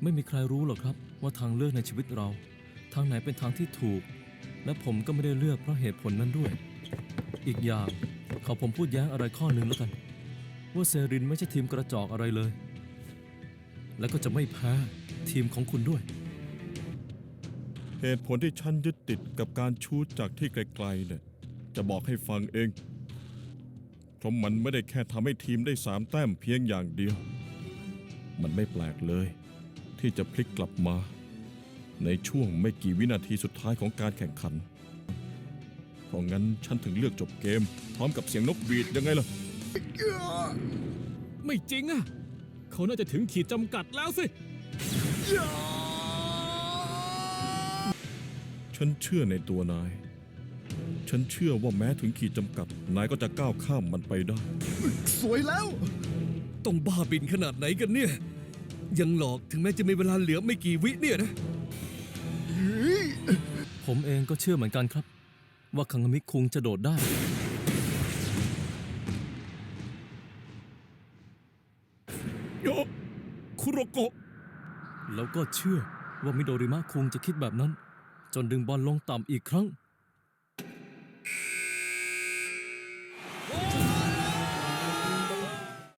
ไม่มีใครรู้หรอกครับว่าทางเลือกในชีวิตเราทางไหนเป็นทางที่ถูกและผมก็ไม่ได้เลือกเพราะเหตุผลนั้นด้วยอีกอย่างขอผมพูดแย้งอะไรข้อหนึ่งแล้วกันว่าเซรินไม่ใช่ทีมกระจอกอะไรเลยและก็จะไม่แพ้ทีมของคุณด้วยเหตุผลที่ฉันยึดติดกับการชูตจากที่ไกลๆเนี่ยจะบอกให้ฟังเองเพราะมันไม่ได้แค่ทำให้ทีมได้3 แต้มเพียงอย่างเดียวมันไม่แปลกเลยที่จะพลิกกลับมาในช่วงไม่กี่วินาทีสุดท้ายของการแข่งขันเพราะงั้นฉันถึงเลือกจบเกมพร้อมกับเสียงนกหวีดยังไงล่ะไม่จริงอ่ะเขาน่าจะถึงขีดจำกัดแล้วสิฉันเชื่อในตัวนาย ฉันเชื่อว่าแม้ถึงขีดจำกัดนายก็จะก้าวข้ามมันไปได้สวยแล้วต้องบ้าบินขนาดไหนกันเนี่ยยังหลอกถึงแม้จะมีเวลาเหลือไม่กี่วิเนี่ยนะผมเองก็เชื่อเหมือนกันครับว่าคังมิคุงจะโดดได้โยคุโรโกะแล้วก็เชื่อว่ามิโดริมะคุงจะคิดแบบนั้นจนดึงบอลลงต่ำอีกครั้ง